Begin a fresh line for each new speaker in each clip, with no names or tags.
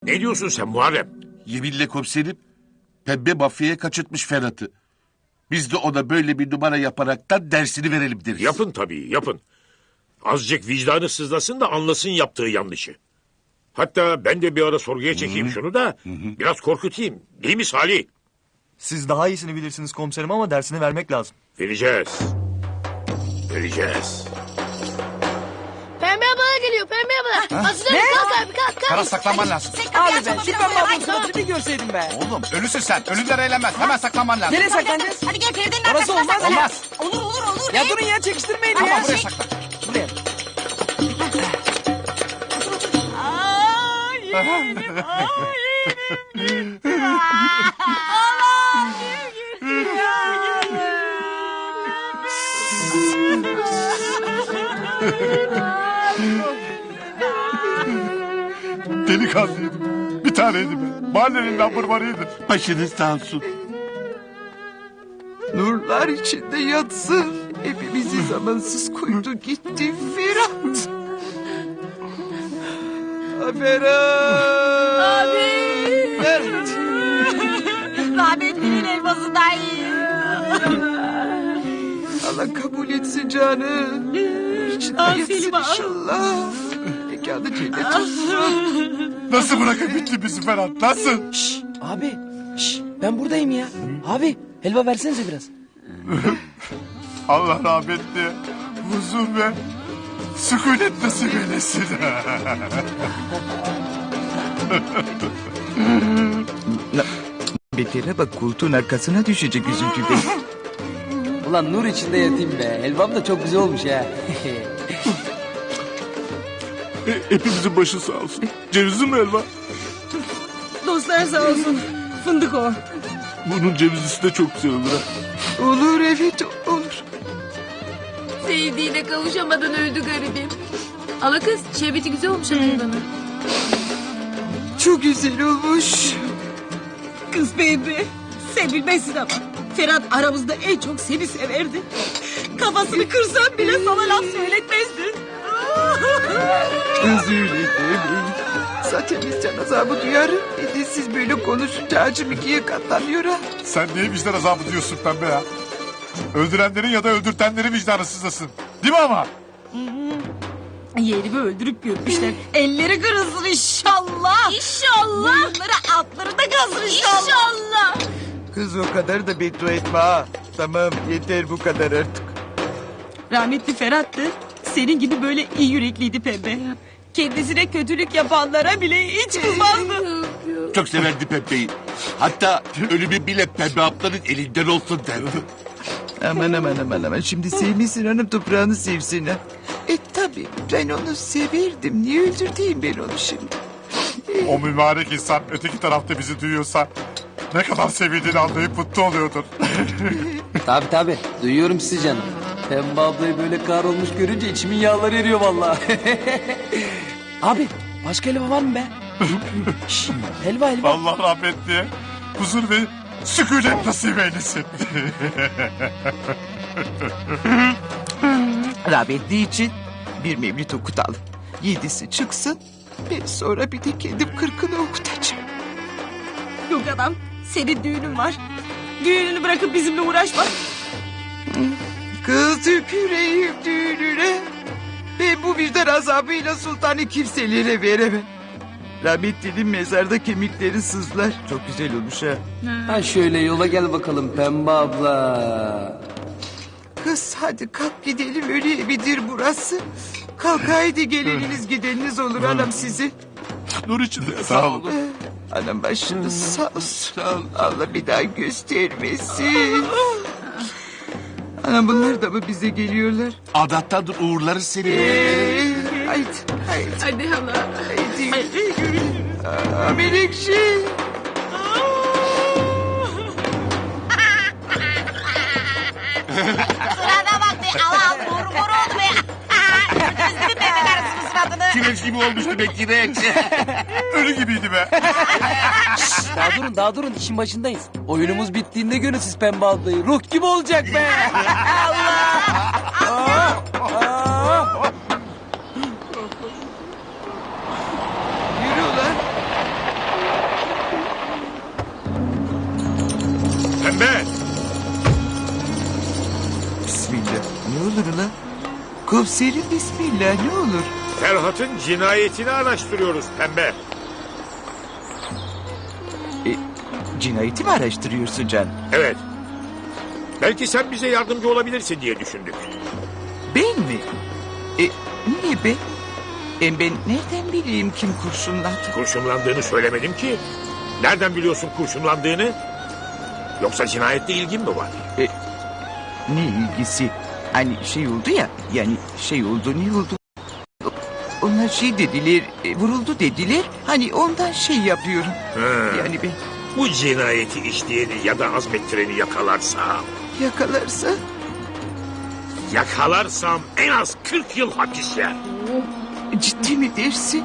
Ne diyorsun sen Muharrem?
Yeminle komiserim, pembe mafyaya kaçırtmış Ferhat'ı. Biz de ona böyle bir numara yaparaktan dersini verelim deriz.
Yapın tabii, yapın. Azıcık vicdanı sızlasın da anlasın yaptığı yanlışı. Hatta ben de bir ara sorguya çekeyim şunu da biraz korkutayım. Değil mi Salih?
Siz daha iyisini bilirsiniz komiserim ama dersini vermek lazım.
Vereceğiz. Vereceğiz.
Pembe abla geliyor, Pembe abla. Hazırlan, kalk abi, kalk.
Ferhat saklanman lazım.
Abi ben şu pembe ablanın suratını bir görseydim be.
Oğlum ölüsün sen. Ölüler eğlenmez. Hemen saklanman lazım.
Nereye saklanacağız?
Hadi gel Feride'nin
Orası
arkasına
olmaz.
saklan.
Olmaz.
Olur.
Ya durun ya çekiştirmeyin
Ama
ya.
buraya saklan.
Buraya.
Delikanlıydım. Bir taneydi ben. Mahallenin lamburmanıydı. Başınız sağ olsun.
Nurlar içinde yatsın. Hepimizi zamansız koydu gitti Ferhat. Ferhat.
Abi.
Ferhat.
Rahmetlinin elması da iyi.
Allah kabul etsin canım. Nur içinde yatsın inşallah. Mekanı cennet olsun.
Nasıl bırakıp gitti bizi Ferhat? Nasıl?
Abi ben buradayım ya. Abi helva versenize biraz.
Allah rahmetli huzur ve sükunet nasip eylesin.
Betere bak koltuğun arkasına düşecek üzüntüden.
Ulan nur içinde yatayım be. Helvam da çok güzel olmuş ha.
Hepimizin başı sağ olsun. Cevizli mi helva?
Dostlar sağ olsun. Fındık o.
Bunun cevizlisi de çok güzel olur ha.
Olur evet olur.
Sevdiğine kavuşamadan öldü garibim. Ala kız, şerbeti güzel olmuş bana.
Çok güzel olmuş.
Kız baby. Sen bilmezsin ama. Ferhat aramızda en çok seni severdi. Kafasını kırsan bile sana laf söyletmezdi.
Kız öyle demeyin. Zaten biz can azabı duyarım. Bir de siz böyle konuşunca acım ikiye katlanıyor ha.
Sen niye vicdan azabı diyorsun pembe ya? Öldürenlerin ya da öldürtenlerin vicdanı sızlasın. Değil mi ama?
Yeğenimi öldürüp görmüşler. Elleri kırılsın inşallah. İnşallah. Boyunları altları da kazır inşallah. İnşallah.
Kız o kadar da beddua etme ha. Tamam yeter bu kadar artık.
Rahmetli Ferhat'tı. Senin gibi böyle iyi yürekliydi Pembe. Kendisine kötülük yapanlara bile hiç kızmazdı.
Çok severdi pembeyi. Hatta ölümü bile pembe ablanın elinden olsun derdi.
Aman. Şimdi sevmişsin hanım toprağını sevsin ha. Tabi ben onu severdim. Niye öldürteyim ben onu şimdi?
O mübarek insan öteki tarafta bizi duyuyorsa ne kadar sevildiğini anlayıp mutlu oluyordur.
Tabi duyuyorum sizi canım. Pembe ablayı böyle kahrolmuş görünce içimin yağları eriyor vallahi. Abi başka helva var mı be? Şş, helva.
Allah rahmetli huzur ve sükunet nasip eylesin.
Rahmetli için bir mevlid okutalım. 7'si çıksın. Ben sonra bir de kendim 40'ını okutacağım.
Yok adam senin düğünün var. Düğününü bırakıp bizimle uğraşma.
Kız yüreğim düğününe. Ben bu vicdan azabıyla sultanı kimselere veremem. Rahmetlinin mezarda kemiklerin sızlar. Çok güzel olmuş ha.
Ha şöyle yola gel bakalım Pembe abla.
Kız hadi kalk gidelim öyle evidir burası. Kalk haydi geleniniz gideniniz olur anam sizi.
Nur içinde sağ olun.
Anam başınız sağ olsun. Allah bir daha göstermesin. Anam bunlar da mı bize geliyorlar?
Adattandır uğurları seni.
Haydi.
Hadi hala.
Haydi. Menekşe.
Sırada bak be. Allah vur oldu be. Gördünüz mü Pembe karısının suratını?
Kireç gibi olmuştu be kireç. Ölü gibiydi be.
Daha durun işin başındayız. Oyunumuz bittiğinde görün siz Pembe ablayı. Ruh gibi olacak be.
Yürü ulan. Komiserim bismillah ne olur.
Ferhat'ın cinayetini araştırıyoruz pembe.
Cinayeti mi araştırıyorsun Can?
Evet. Belki sen bize yardımcı olabilirsin diye düşündük.
Ben mi? Niye ben? Ben nereden bileyim kim kurşunladı?
Kurşunlandığını söylemedim ki. Nereden biliyorsun kurşunlandığını? Yoksa cinayetle ilgin mi var?
Ne ilgisi? Hani şey oldu ya, yani şey oldu ne oldu? Onlar şey dediler, vuruldu dediler. Hani ondan şey yapıyorum. Yani ben
Bu cinayeti işleyeni ya da azmettireni yakalarsam... Yakalarsam en az 40 yıl hapis yer.
Ciddi mi dersin?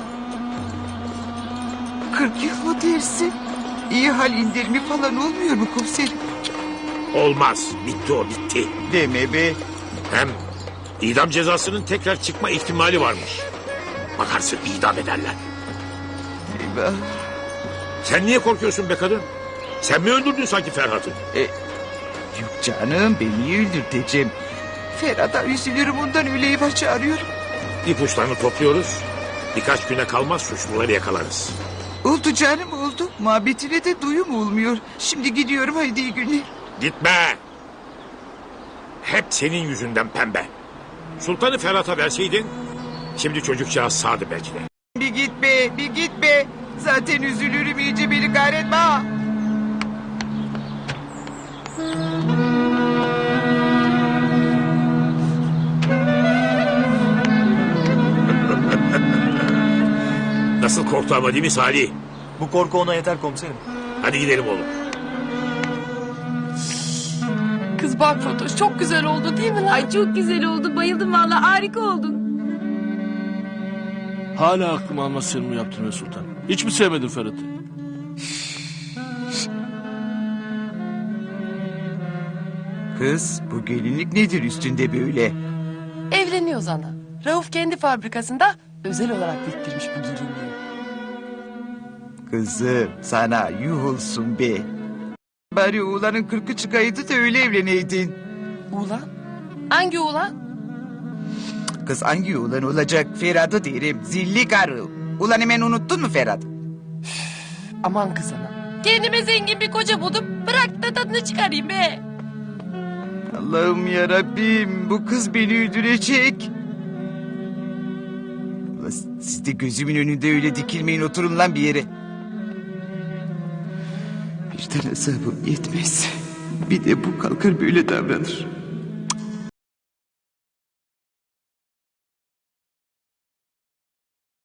40 yıl mı dersin? İyi hal indirimi falan olmuyor mu komiserim?
Olmaz. Bitti o bitti.
Deme be.
Hem idam cezasının tekrar çıkma ihtimali varmış. Bakarsın idam ederler.
Eyvah.
Sen niye korkuyorsun be kadın? Sen mi öldürdün sanki Ferhat'ı?
Yok canım ben niye öldürteceğim? Ferhat'a üzülürüm ondan öyle eyvah çağırıyorum.
İpuçlarını topluyoruz. Birkaç güne kalmaz suçluları yakalarız.
Oldu canım oldu. Muhabbetine de duyum olmuyor. Şimdi gidiyorum haydi iyi günler.
Gitme. Hep senin yüzünden pembe. Sultanı Ferhat'a verseydin... Şimdi çocukcağız sağdı belki de.
Bir git be bir git be. Zaten üzülürüm iyice beni kahretme ha.
Nasıl korktu ama değil mi Salih?
Bu korku ona yeter komiserim.
Hadi gidelim oğlum.
Kız bak Fatoş çok güzel oldu değil mi lan? Ay çok güzel oldu. Bayıldım vallahi harika oldun.
Hala aklım almaz senin bu yaptığını Sultan. Hiç mi sevmedin Ferhat'ı?
Kız bu gelinlik nedir üstünde böyle?
Evleniyoruz ana. Rauf kendi fabrikasında özel olarak diktirmiş bu gelinliği.
Kızım sana yuh olsun be. Bari oğlanın 40'ı çıkaydı da öyle evleneydin.
Ulan? Hangi ulan?
Kız hangi oğlan olacak Ferhat'ı derim zilli karı. Ulan hemen unuttun mu Ferhat?
Aman kız ana. Kendime zengin bir koca buldum. Bırak da tadını çıkarayım be.
Allah'ım yarabbim bu kız beni öldürecek. Ulan siz de gözümün önünde öyle dikilmeyin oturun lan bir yere. Bir tane hesabım yetmez. Bir de bu kalkar böyle davranır.